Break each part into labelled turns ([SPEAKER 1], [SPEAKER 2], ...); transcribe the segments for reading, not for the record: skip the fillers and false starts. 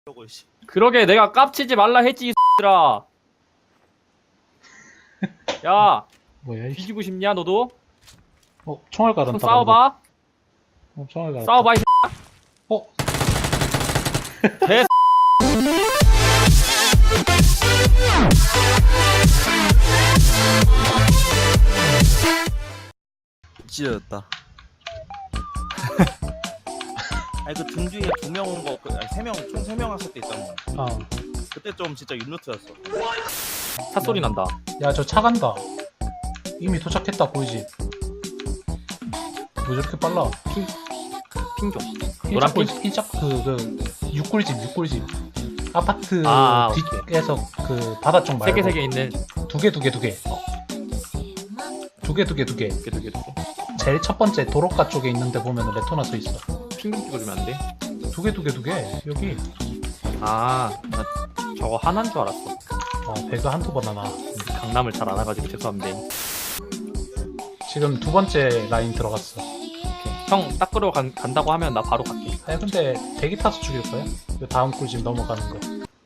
[SPEAKER 1] 그러게 내가 깝치지 말라 했지 이 X들아. 야
[SPEAKER 2] 뭐야 이
[SPEAKER 1] 뒤지고 싶냐 너도?
[SPEAKER 2] 총알
[SPEAKER 1] 좀
[SPEAKER 2] 갈았다.
[SPEAKER 1] 싸워봐.
[SPEAKER 2] 총알 갈았다.
[SPEAKER 1] 싸워봐 이
[SPEAKER 2] 어?
[SPEAKER 1] 개
[SPEAKER 3] 찢어졌다. 아니 그 등 뒤에 2명 온 거, 아니 3명, 총 3명 왔을 때 있잖아. 그때 좀 진짜 윤루트였어.
[SPEAKER 1] 차 소리 난다.
[SPEAKER 2] 야 저 차 간다. 이미 도착했다 보이지? 왜 저렇게 빨라?
[SPEAKER 1] 핑 좀. 노란 핑?
[SPEAKER 2] 흰짝 육골집 아파트
[SPEAKER 1] 아,
[SPEAKER 2] 뒤에서 그 바다 쪽 말고
[SPEAKER 1] 세 개 있는.
[SPEAKER 2] 두 개 제일 첫 번째 도로가 쪽에 있는데 보면 레토나 써 있어.
[SPEAKER 1] 핑 좀 찍어주면 안 돼?
[SPEAKER 2] 두 개 여기.
[SPEAKER 1] 아, 나 저거 하나인 줄 알았어.
[SPEAKER 2] 배그 한두 번 하나.
[SPEAKER 1] 강남을 잘 안 와가지고 죄송합니다.
[SPEAKER 2] 지금 두 번째 라인 들어갔어.
[SPEAKER 1] 형 딱 끌어 간다고 하면 나 바로 갈게.
[SPEAKER 2] 아니 근데 대기 타서 죽일 거야? 그 다음 꿀집 넘어가는 거.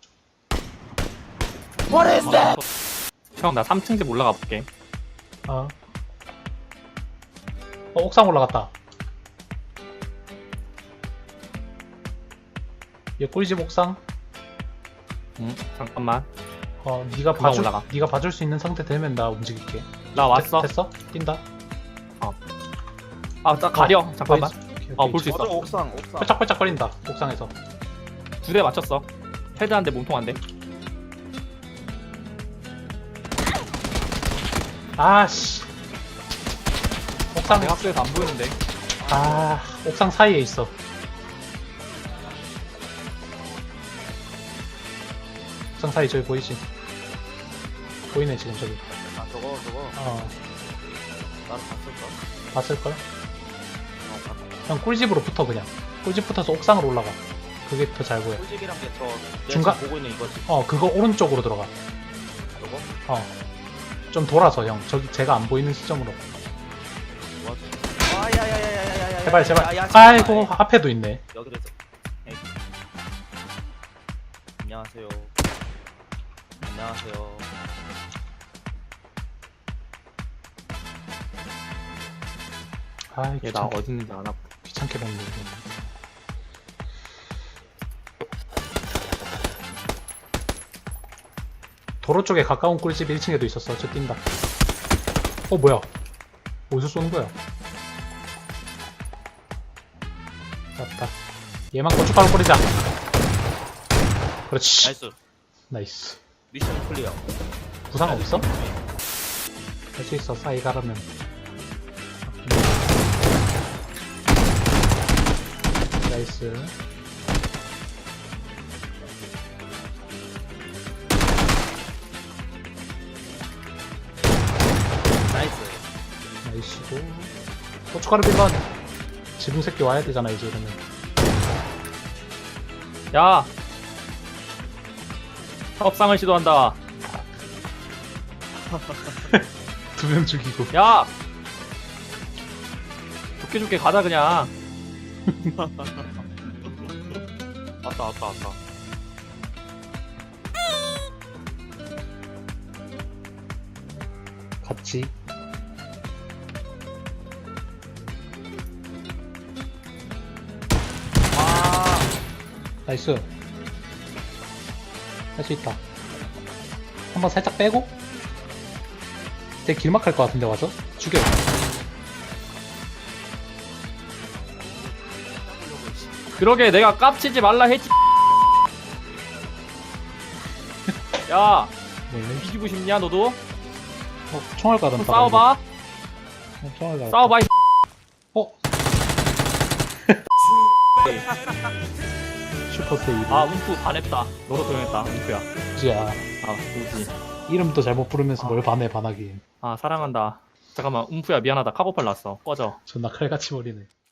[SPEAKER 3] What is that?
[SPEAKER 1] 형 나 3층 집 올라가 볼게.
[SPEAKER 2] 옥상 올라갔다. 얘 꿀집 옥상.
[SPEAKER 1] 잠깐만.
[SPEAKER 2] 네가
[SPEAKER 1] 금방 올라가.
[SPEAKER 2] 네가 봐줄 수 있는 상태 되면 나 움직일게.
[SPEAKER 1] 나 왔어.
[SPEAKER 2] 됐어? 뛴다.
[SPEAKER 1] 아, 딱 가려. 잠깐만.
[SPEAKER 2] 오케이.
[SPEAKER 1] 볼 수 있어.
[SPEAKER 3] 맞아, 옥상.
[SPEAKER 2] 펄짝펄짝거린다. 옥상에서.
[SPEAKER 1] 2대 맞췄어. 헤드 한 대, 몸통 한 대.
[SPEAKER 2] 아씨. 옥상.
[SPEAKER 1] 내 학교에서 안 보이는데.
[SPEAKER 2] 옥상 사이에 있어. 옥상 사이 저기 보이지? 보이네 지금 저기.
[SPEAKER 3] 아 저거 나도 봤을까?
[SPEAKER 2] 봤을걸?
[SPEAKER 3] 봤다.
[SPEAKER 2] 형 꿀집으로 붙어 그냥. 꿀집 붙어서 옥상으로 올라가. 그게 더 잘 보여.
[SPEAKER 3] 꿀집이랑 게저
[SPEAKER 2] 중간-
[SPEAKER 3] 보고 있는 이거지.
[SPEAKER 2] 그거 오른쪽으로 들어가.
[SPEAKER 3] 저거?
[SPEAKER 2] 좀 돌아서 형. 저기 제가 안 보이는 시점으로.
[SPEAKER 3] 뭐하지? 야야야야야야야.
[SPEAKER 2] 제발. 아이고 앞에도 있네.
[SPEAKER 3] 여기로 해서. 에이. 안녕하세요.
[SPEAKER 2] 아이
[SPEAKER 1] 얘 나 어디 있는지 안 하고.
[SPEAKER 2] 귀찮게 봤네. 도로 쪽에 가까운 꿀집 1층에도 있었어. 저 뛴다. 뭐야? 어디서 쏘는 거야? 맞다. 얘만 고춧가루 뿌리자. 그렇지.
[SPEAKER 3] 나이스.
[SPEAKER 2] 나이스.
[SPEAKER 3] 미션 클리어.
[SPEAKER 2] 부상 없어? 할 수 있어. 사이 가라면. 나이스.
[SPEAKER 3] 나이스.
[SPEAKER 2] 나이스고. 고춧가루 빌런. 지붕 새끼 와야 되잖아 이제 이러면.
[SPEAKER 1] 야! 협상을 시도한다.
[SPEAKER 2] 2명 죽이고.
[SPEAKER 1] 야! 좋게 가자 그냥.
[SPEAKER 3] 왔다.
[SPEAKER 2] 같이. 나이스. 할 수 있다. 한번 살짝 빼고. 되게 길막할 것 같은데 와서 죽여.
[SPEAKER 1] 그러게 내가 깝치지 말라 했지. 야! 뒤지고 싶냐 너도?
[SPEAKER 2] 총알
[SPEAKER 1] 좀
[SPEAKER 2] 가른다.
[SPEAKER 1] 싸워봐.
[SPEAKER 2] 총알 가른다.
[SPEAKER 1] 싸워봐 이
[SPEAKER 2] 슈퍼 세이브.
[SPEAKER 1] 움프 반했다. 너도 조용했다. 움프야.
[SPEAKER 2] 우지야.
[SPEAKER 1] 우지.
[SPEAKER 2] 이름도 잘못 부르면서 뭘 반해 반하긴.
[SPEAKER 1] 사랑한다. 잠깐만, 움프야 미안하다. 카고팔 났어. 꺼져.
[SPEAKER 2] 존나 칼같이 버리네.